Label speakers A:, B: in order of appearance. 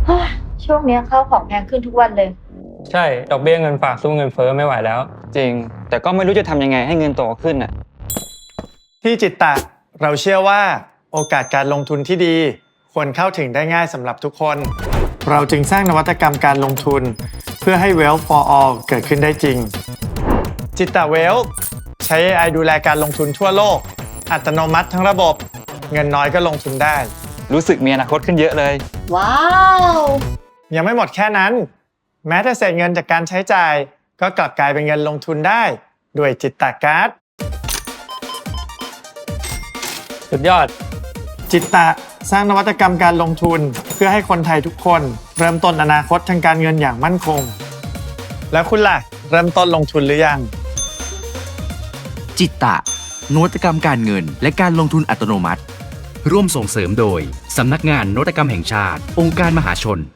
A: เฮ้ยช่วงเนี้ยข้าวของแพงขึ้นทุกวันเลย
B: ใช่ดอกเบี้ยเงินฝากสู้เงินเฟ้อไม่ไหวแล้ว
C: จริง แต่ก็ไม่รู้จะทำยังไงให้เงินโตขึ้นอ่ะ
D: ที่จิตตะเราเชื่อว่าโอกาสการลงทุนที่ดีควรเข้าถึงได้ง่ายสำหรับทุกคน เราจึงสร้างนวัตกรรมการลงทุนเพื่อให้ Wealth for All เกิดขึ้นได้จริง จิตตะ Wealth ใช้ AI ดูแลการลงทุนทั่วโลก อัตโนมัติทั้งระบบ เงินน้อยก็ลงทุนได้
C: รู้สึกมีอนาคตขึ้นเยอะเลย
A: ว้าว
D: ยังไม่หมดแค่นั้น แม้แต่เศษเงินจากการใช้จ่าย ก็กลับกลายเป็นเงินลงทุนได้ด้วยจิตตะการ์ด
B: สุดยอด
D: จิตตะสร้างนวัตกรรมการลงทุนเพื่อให้คนไทยทุกคน เริ่มต้นอนาคตทางการเงินอย่างมั่นคง แล้วคุณล่ะ เริ่มต้นลงทุนหรือยัง
E: จิตตะนวัตกรรมการเงินและการลงทุนอัตโนมัติ ร่วมส่งเสริมโดย สำนักงานนวัตกรรมแห่งชาติ องค์การมหาชน